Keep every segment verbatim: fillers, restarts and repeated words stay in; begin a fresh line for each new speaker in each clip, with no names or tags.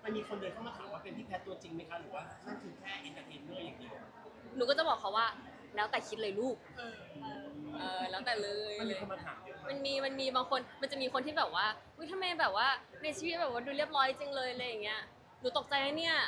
มันมีคนเดินเข้ามาถามว่าเป็นพี่แพทตัวจริงไหมคะหรือว่านั่นคือแค่เอนเตอร์เทนเนอร์อย่างเดียว
หนูก็จะบอกเขาว่าแล้วแต่คิดเลยลูกเออแล้วแต่เลย
มันมีคนมาถามเยอะ
มันมีมันมีบางคนมันจะมีคนที่แบบว่าอุ้ยทำไมแบบว่าในชีวิตแบบว่าดูเรียบร้อยจริงเลยอะไรอย่างเงี้ยหนูตกใจนะเนี่ย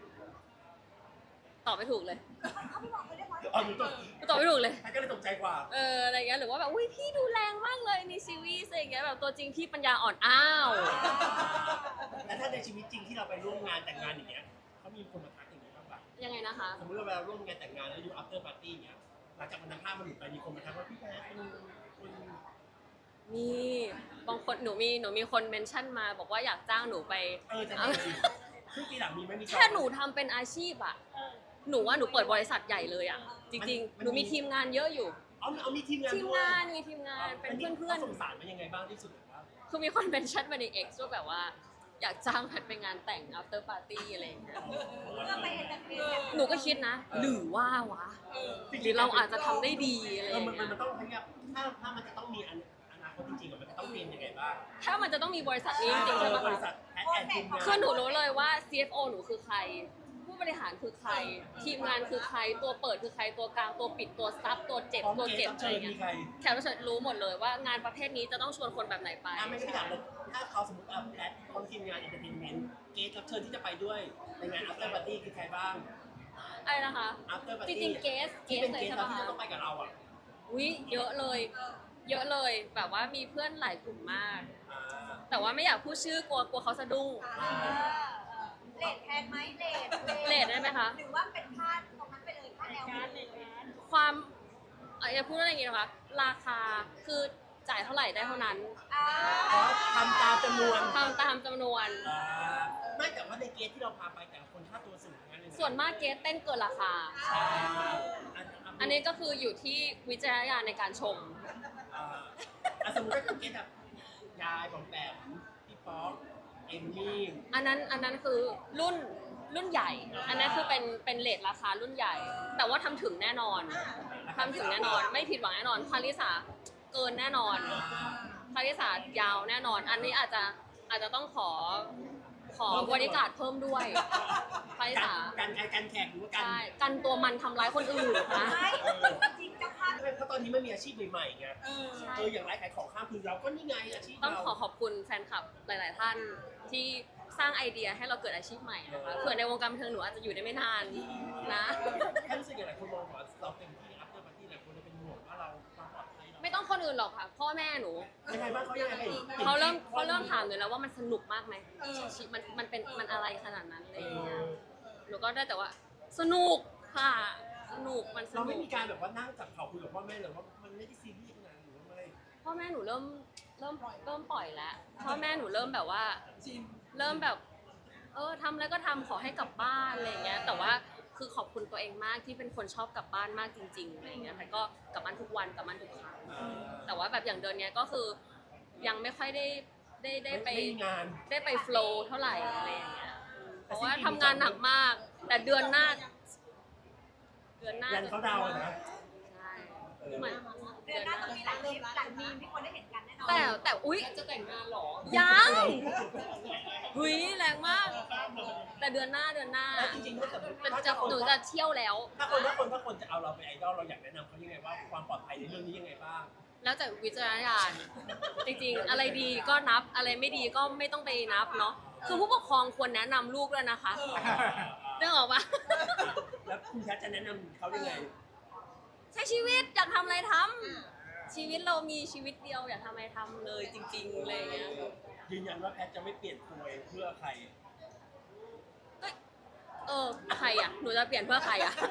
ตอบไม่ถูกเลย
เขาไม่บอกเขาเรียกว่า
อ๋อหนูตก
หนูตอบไม่ถูกเลย
แพทก็เลยตกใจกว่า
เอออะไรเงี้ยหรือว่าแบบอุ้ยพี่ดูแรงมากเลยในซีรีส์อะไรอย่างเงี้ยแบบตัวจริงพี่ปัญญาอ่อนอ้าว
แล้วถ้าในชีวิตจริงที่เราไปร่วมงานแต่งงานอย่างเงี้ยเขามีคนมาทักอย่างนี้บ้างปะ
ยังไงนะคะ
สมมติเราไปร่วมงานแต่งงานแล้วอยู่ after party อย่างเงี้ยหลังจากวันนั้นภาพมันหลุดไปมีคนมาทักว่าพี่แพทเป็นคน
มีบางคนหนูมีหนูมีคนเมนชั่นมาบอกว่าอยากจ้างหนูไป
เออจะดีซึ่งปีหลังมีไหมมี
แค่หนูทำเป็นอาชีพอะหนูว่าหนูเปิดบริษัทใหญ่เลยอะจริงๆหนูมีทีมงานเยอะอยู่
เอาเอามีทีมงาน
ทีม
ด้วย
งานมีทีมงานเป็นเพื่อน
สงสารมันยังไงบ้างที่สุดแบบว่า
ๆคือมีคนเมนชั่นมาใน X ว่าแบบว่าอยากจ้างแพทไปงานแต่ง after party อะไรอย่างเงี้ย
เพื่อไปเอนเตอร์เทนกัน
หนูก็คิดนะหรือว่าวะหรือเราอาจจะทำได้ดีอะไรอ
เออย่าง มัน
เงี้ย
มันต้องพยายามถ้าถ้ามันจะต้องมีอนาคตจริงๆมันจะต้องเรียนยังไงบ้าง
ถ้ามันจะต้องมีบริษัทนี้จริงๆใช่ไหม
บริ
คะ
ษัทแพทแอนทีมงาน
คือหนูรู้เลยว่า ซี เอฟ โอ หนูคือใคร ผู้บริหารคือใคร ทีมงานคือใคร ตัวเปิดคือใคร ตัวกลาง ตัวปิด ตัวซับ ตัวเจ็บ ตัวเจ็บอะไร
เชิญ
เงี้
มี
ย
ใคร
แขกรับเชิญรู้หมดเลยว่างานประเภทนี้จะต้องชวนคนแบบไหนไป
อ่ะไม่ใช่ถามเลยถ้าเขาสมมติอ่ะแพทคนทีมงานเอนเตอร์เทนเมนต์เกสรับเชิญที่จะไปด้วยในงาน after party คือใครบ้าง
อะไรนะคะ
after
จ
party
ริงๆเกส เก
ที่
ส
เป็น
เล
เก
ย
ส
ใช่
เรา
ปะ
ที่จะ
คะ
ต้องไปกับเราอ่ะ
อุ้ยเยอะเลย เยอะเลย แบบว่ามีเพื่อนหลายกลุ่มมาก
อ่า
แต่ว่าไม่อยากพูดชื่อกลัวกลัวเขาสะดุ้ง
เลทแพงไหมเลท
เรทได้ไหมคะ
หรือว่าเป็นค่าตรงนั้นไปเลยค่าแนวการเลย
ความเอ่ออย่าพูดอะไรอย่างงี้นะคะ ราคาคือจ่ายเท่าไหร่ได้เท่านั้น
อ่า
อ๋อทำตามจำนวน
ทำตามจำนวน
อ่าไม่แต่ว่าในเกสที่เราพาไปแต่ละคนค่าตัวสูงทั้งนั้นเลยะ
ส่วนมากเกสเต้นเกินราคา
อ่าอัน
อันนี้ก็คืออยู่ที่วิจารณญาณในการชม
อ่าอ่ะสมมติว่าคือเกสแบบยายบอมแปมพี่ป๊อกเอมมี่
อันนั้นอันนั้นคือรุ่นรุ่นใหญ่ อันนั้นคือเป็นเป็นเลทราคารุ่นใหญ่ แต่ว่าทำถึงแน่นอนทำถึงแน่นอน ไม่ผิดหวังแน่นอนคาริสาเกินแน่นอนคาริสายาวแน่นอน อันนี้อาจจะอาจจะต้องขอขอบริการดเพิ่มด้วยคาริ
การ
สา
การการการแข่งหรือว่าการ
ใช่กันตัวมันทำร้ายคนอื่นนะ
ไม่จริงเจ้าภาพ
เพราะตอนนี้มันมีอาชีพใหม่ๆไง
เออ
เอออย่างไรขายของข้ามคือเราก็นี่ไงอาชีพ
ต้อง
เรา
ขอขอบคุณแฟนคลับหลาย ๆ ท่านที่สร้างไอเดียให้เราเกิดอาชีพใหม่นะคะเผื่อในวงการบันเทิงหนูอาจจะอยู่ได้ไม่นานนะ
แค่รู้สึกอย่างไรคนมองว่าเราเต็มที่ after party หลายคนจะเป็นห่วงว่าเราความปลอดภัยเรา
ไม่ต้องคนอื่นหรอกค่ะ พ่อแม่หนู
ยังไงบ้างเขายังไง
เขาเริ่มเขาเริ่มถามหนูแล้วว่ามันสนุกมากไหมชีวิตมันมันเป็นมันอะไรขนาดนั้นอะไรอย่างเงี้ยหนูก็ได้แต่ว่า สนุกค่ะ สนุกมันส
เรา
นุ
ไม่
ก
มีการแบบว่านั่งจับเข่าคุยกับพ่อแม่เลยว่ามันไม่ได้ซีเรียสขนาดนั้นหรือว่าไม่
พ่อแม่หนูเริ่มเริ่มเริ่มปล่อยแล้วพ่อแม่หนูเริ่มแบบว่าเริ่มแบบ เออทำแล้วก็ทำขอให้กลับบ้านอะไรอย่างเงี้ยแต่ว่าคือขอบคุณตัวเองมากที่เป็นคนชอบกลับบ้านมากจริงๆอะไรอย่างเงี้ยแต่ก็กลับบ้านทุกวันกลับบ้านทุกครั้งแต่ว่าแบบอย่างเดือนเนี้ยก็คือยังไม่ค่อยได้ได้ได้ไป
ไม่มีงาน
ได้ไปโฟล์เท่าไหร่อะไรอย่างเงี้ยเพราะว่าทำงานหนักมาก แต่เดือนหน้า เดือนหน้า
ยันเขาดาวน์อะนะ
ใช่เหมือน
เดือนหน้าต้องมีหลังมีหลังมีที่คนได้เห็นกันแน่นอน
แต่แต่อุ๊ยจะแต่งงานหรอยังหุยแรงมาก แต่เดือนหน้าเดือนหน้า
แล้วจริงๆถ้าสมมติ
จะจะหนูจะเที่ยวแล้ว
ถ้าคนถ้าคนถ้าคนจะเอาเราเป็นไอดอลเราอยากแนะนำเขายังไงว่าความปลอดภัยในเรื่องนี้ยังไงบ้าง
แล้วแต่วิจารณญาณจริงๆ อะไรดีก็นับอะไรไม่ดีก็ไม่ต้องไปนับเนาะคือผู้ปกครองควรแนะนำลูกด้วยนะคะนึกออกปะ
แล้วคุณแพทย์จะแนะนำเขายังไง
ใช้ชีวิตอยากทำอะไรทำชีวิตเรามีชีวิตเดียวอยากทำอะไรทำเลยจริงๆอะไรอย่างเงี้ย
ยืนยันว่าแพทย์จะไม่เปลี่ยนตัวเองเพื่อใคร
ก็เออใครอ่ะหนูจะเปลี่ยนเพื่อใครอ่ะ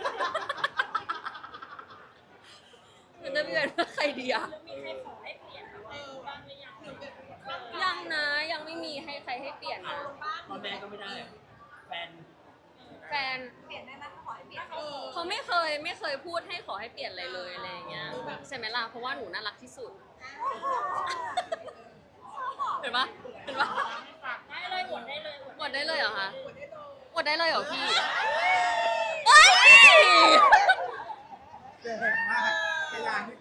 หนูจะเปลี่ยนเพื่อใครดีอ่ะยังนะยังไม่มีให้ใครให้เปลี่ยนนะ
พ่อแม่ก็ไม่ได้อะแฟน
แฟน
เปลี่ยนได้ไหมขอให้เปลี่ยน
เขาไม่เคยไม่เคยพูดให้ขอให้เปลี่ยนอะไรเลยอะไรอย่างเงี้ยใช่ไหมล่ะเพราะว่าหนูน่ารักที่สุดเห็นปะเห็นปะได้เลยหมดได้เลยหมดได้เลยเหรอคะหมดได้เลยเหรอพี่เอ้ย
เก่งมากเวลาที่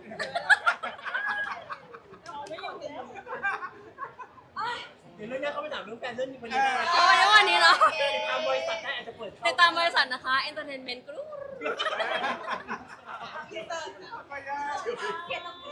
เดี๋ยวเรื่องนี้เขาไปถามเรื่องแฟนเรื่องนี้วันนี้ได้
เอาไว้วันนี้เนาะ
ติดตามบริษัทได้อาจจะเปิดเข้
ติดตามบริษัทนะคะ Entertainment Group
เขียนตรง